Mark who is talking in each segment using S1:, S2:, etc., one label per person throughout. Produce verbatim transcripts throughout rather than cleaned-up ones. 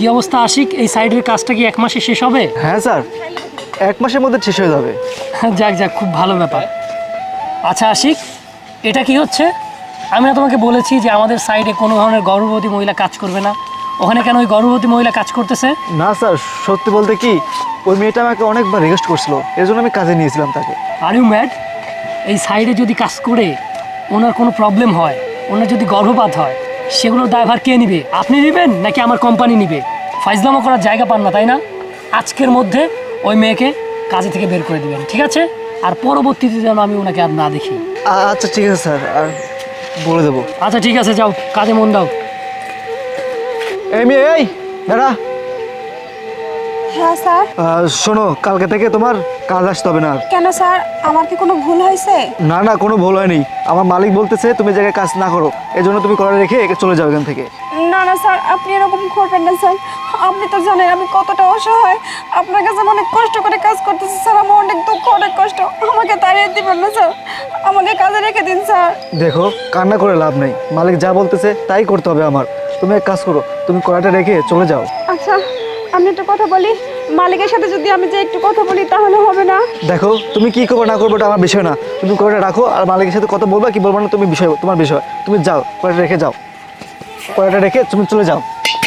S1: কি অবস্থা আশিক, এই সাইডের কাজটা কি এক মাসে শেষ হবে?
S2: হ্যাঁ স্যার, এক মাসের মধ্যে শেষ হয়ে যাবে।
S1: যাক যাক, খুব ভালো ব্যাপার। আচ্ছা আশিক, এটা কি হচ্ছে? আমি না তোমাকে বলেছি যে আমাদের সাইডে কোনো ধরনের গর্ভবতী মহিলা কাজ করবে না। ওখানে কেন ওই গর্ভবতী মহিলা কাজ করতেছে?
S2: না স্যার, সত্যি বলতে কি, ওই মেয়েটা আমাকে অনেকবার রিকোয়েস্ট করছিল, এর জন্য আমি কাজে নিয়েছিলাম তাকে।
S1: Are you mad? এই সাইডে যদি কাজ করে ওনার কোনো প্রবলেম হয়, ওনার যদি গর্ভপাত হয়, সেগুলোর দায়ভার কে নিবে? আপনি নেবেন নাকি আমার কোম্পানি নিবে? ফাইজলামো করার জায়গা পান না, তাই না? আজকের মধ্যে ওই মেয়েকে কাজে থেকে বের করে দিবেন, ঠিক আছে? আর পরবর্তীতে যেন আমি ওনাকে আর না দেখি।
S2: আচ্ছা ঠিক আছে স্যার, আর বলে দেবো।
S1: আচ্ছা ঠিক আছে, যাও কাজে মন দাও।
S2: এই মেয়ে, এই দাঁড়া।
S3: হ্যাঁ স্যার।
S2: আহ, শোনো, কালকে থেকে তোমার কাজ আসতে হবে না আর।
S3: কেন স্যার, আমার কি কোনো ভুল হয়েছে?
S2: না না, কোনো ভুল হয়নি। আমার মালিক বলতেছে তুমি জায়গায় কাজ না করো, এই জন্য তুমি করে রেখে একে চলে যাও এখান থেকে।
S3: না না স্যার, আপনি এরকম করবেন না স্যার। আপনি তো জানেন আমি কতটা অসহায়। আপনার কাছে আমি অনেক কষ্ট করে কাজ করতেছি স্যার, আমার অনেক দুঃখ, অনেক কষ্ট। আমাকে তাড়িয়ে দিবেন না স্যার, আমাকে কাজে রেখে দিন স্যার।
S2: দেখো, কান্না করে লাভ নেই, মালিক যা বলতেছে তাই করতে হবে আমার। তুমি এক কাজ করো, তুমি কড়াটা রেখে চলে যাও।
S3: আচ্ছা, আমি একটা কথা বলি, মালিকের সাথে যদি আমি যে একটু কথা বলি তাহলে হবে না?
S2: দেখো, তুমি কি করবো না করবো এটা আমার বিষয় না। তুমি কড়াটা রাখো, আর মালিকের সাথে কথা বলবা কি বলবো না তুমি বিষয়, তোমার বিষয়। তুমি যাও, কড়াটা রেখে যাও, কড়াটা রেখে তুমি চলে যাও।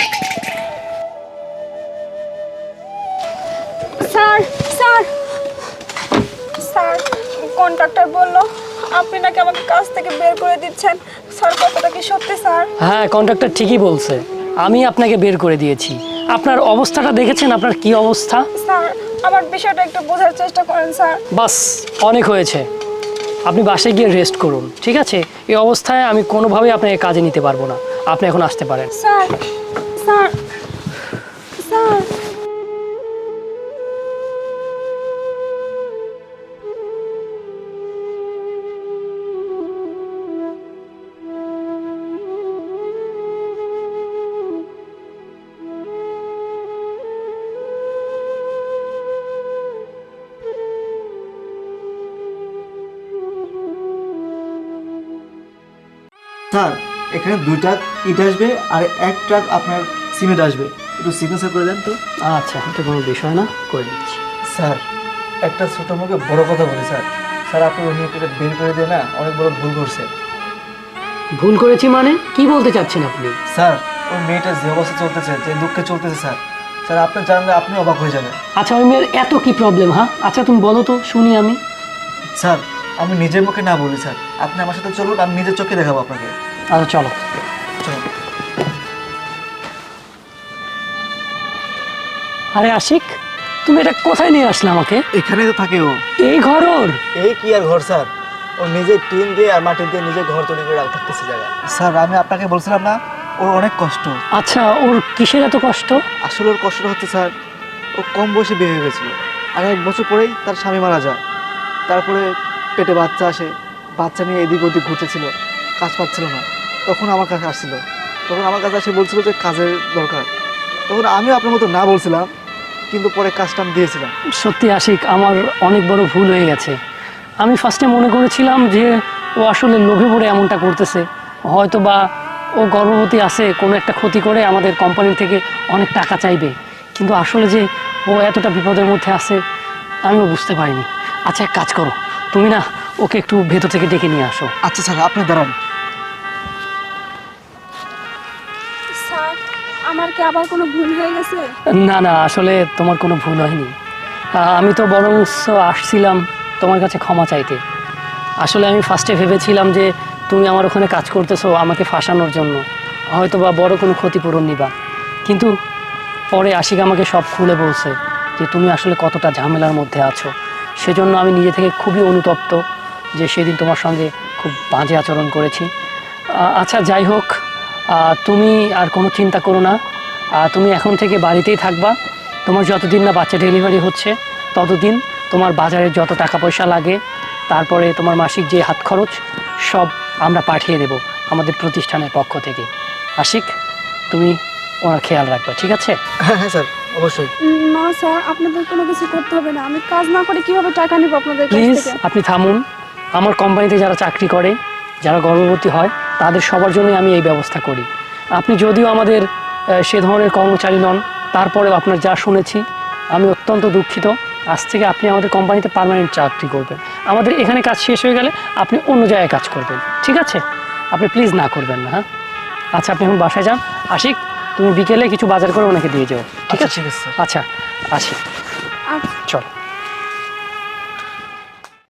S3: স্যার স্যার স্যার, কন্ট্রাক্টর বললো আপনি নাকি আমাকে কাজ থেকে বের করে দিচ্ছেন। স্যার, কথাটা কি সত্যি স্যার?
S1: হ্যাঁ, কন্ট্রাক্টর ঠিকই বলছে, আমি আপনাকে বের করে দিয়েছি। আপনার অবস্থাটা দেখেছেন, আপনার কি অবস্থা?
S3: স্যার, আমার বিষয়টা একটু বোঝার চেষ্টা করেন স্যার।
S1: বাস, অনেক হয়েছে। আপনি বাসায় গিয়ে রেস্ট করুন, ঠিক আছে? এই অবস্থায় আমি কোনোভাবেই আপনাকে কাজে নিতে পারবো না। আপনি এখন আসতে পারেন।
S3: স্যার স্যার স্যার
S2: স্যার, এখানে দুই ট্রাক ইট আসবে আর এক ট্রাক আপনার সিমেন্ট আসবে, একটু সিগনেচার করে দেন তো।
S1: আচ্ছা, এটা কোনো বিষয় না, করে দিচ্ছি।
S2: স্যার, একটা ছোটো মুখে বড় কথা বলি স্যার। স্যার, আপনি ওই মেয়েটা বের করে দিয়ে না অনেক বড় ভুল করছে।
S1: ভুল করেছি মানে কি বলতে চাচ্ছেন আপনি?
S2: স্যার, ওই মেয়েটা যে অবস্থা চলতেছে, যে দুঃখে চলতেছে স্যার, স্যার আপনি জানলে আপনি অবাক হয়ে যাবেন।
S1: আচ্ছা, ওই মেয়ের এত কি প্রবলেম? হ্যাঁ, আচ্ছা তুমি বলো তো শুনি আমি।
S2: স্যার, আমি নিজের মুখে না বলি স্যার, আপনি আমার সাথে চলুন, আমি নিজের চোখে দেখাবো আপনাকে।
S1: আচ্ছা চলো।
S2: চলুন।
S1: আরে আশিক, তুমি এটা কোথায় নিয়ে আসলে আমাকে?
S2: এখানেই তো থাকে ও।
S1: এই ঘর ওর?
S2: এই কি আর ঘর স্যার, ও নিজে টিন দিয়ে আর মাটি দিয়ে নিজে ঘর তৈরি করে থাকতেছে জায়গা। স্যার, আমি আপনাকে বলছিলাম না, ওর অনেক কষ্ট।
S1: আচ্ছা, ওর কিসের এত কষ্ট?
S2: আসলে ওর কষ্টটা হচ্ছে স্যার, ও কম বয়সে বিয়ে হয়ে গেছিলো, আর এক বছর পরেই তার স্বামী মারা যায়। তারপরে পেটে বাচ্চা আসে, বাচ্চা নিয়ে এদিক ওদিক ঘুরতেছিল, কাজ পাচ্ছিল না। তখন আমার কাছে আসছিল, তখন আমার কাছে এসে বলছিল যে কাজের দরকার। তখন আমিও আপনার মতো না বলছিলাম, কিন্তু পরে কাজটা আমি দিয়েছিলাম।
S1: সত্যি আশিক, আমার অনেক বড় ভুল হয়ে গেছে। আমি ফার্স্টে মনে করেছিলাম যে ও আসলে লোভে পড়ে এমনটা করতেছে, হয়তো বা ও গর্ভবতী আছে, কোনো একটা ক্ষতি করে আমাদের কোম্পানি থেকে অনেক টাকা চাইবে। কিন্তু আসলে যে ও এতটা বিপদের মধ্যে আছে আমিও বুঝতে পারিনি। আচ্ছা, এক কাজ করো, তুমি না ওকে একটু ভেতর থেকে ডেকে নিয়ে আসো।
S2: আচ্ছা স্যার, আপনি দাঁড়ান।
S3: স্যার, আমার কি আবার কোনো ভুল হয়ে গেছে?
S1: না না, আসলে তোমার কোনো ভুল হয়নি। আহ, আমি তো বরং আসছিলাম তোমার কাছে ক্ষমা চাইতে। আসলে আমি ফার্স্টে ভেবেছিলাম যে তুমি আমার ওখানে কাজ করতেছো আমাকে ফাঁসানোর জন্য, হয়তো বা বড় কোনো ক্ষতিপূরণ নিবা। কিন্তু পরে আশিক আমাকে সব খুলে বলছে যে তুমি আসলে কতটা ঝামেলার মধ্যে আছো। সেজন্য আমি নিজে থেকে খুবই অনুতপ্ত যে সেদিন তোমার সঙ্গে খুব বাজে আচরণ করেছি। আহ, আচ্ছা যাই হোক, আহ, তুমি আর কোনো চিন্তা করো না। আহ, তুমি এখন থেকে বাড়িতেই থাকবা। তোমার যতদিন না বাচ্চা ডেলিভারি হচ্ছে ততদিন তোমার বাজারে যত টাকা পয়সা লাগে, তারপরে তোমার মাসিক যে হাত খরচ, সব আমরা পাঠিয়ে দেব আমাদের প্রতিষ্ঠানের পক্ষ থেকে। আশিক, তুমি ওনার খেয়াল রাখবা, ঠিক আছে?
S2: হ্যাঁ হ্যাঁ স্যার, অবশ্যই।
S3: না স্যার, আপনাদের কোনো কিছু করতে হবে না। আমি কাজ না করে কিভাবে টাকা নিব আপনাদের কাছ
S1: প্লিজ
S3: থেকে?
S1: আপনি থামুন। আমার কোম্পানিতে যারা চাকরি করে, যারা গর্ভবতী হয়, তাদের সবার জন্যই আমি এই ব্যবস্থা করি। আপনি যদিও আমাদের সে ধরনের কর্মচারী নন। তারপরেও আপনার যা শুনেছি আমি অত্যন্ত দুঃখিত। আজ থেকে আপনি আমাদের কোম্পানিতে পার্মানেন্ট চাকরি করবেন। আমাদের এখানে কাজ শেষ হয়ে গেলে আপনি অন্য জায়গায় কাজ করবেন, ঠিক আছে? আপনি প্লিজ না করবেন না, হ্যাঁ? আচ্ছা, আপনি এখন বাসায় যান। আশিক, তুমি বিকেলে কিছু বাজার করে ওনাকে দিয়ে যাও, ঠিক
S2: আচ্ছা,
S1: আছে?
S2: ঠিক আছে, স্যার।
S1: আচ্ছা, আসি,
S3: আচ্ছা
S1: চল।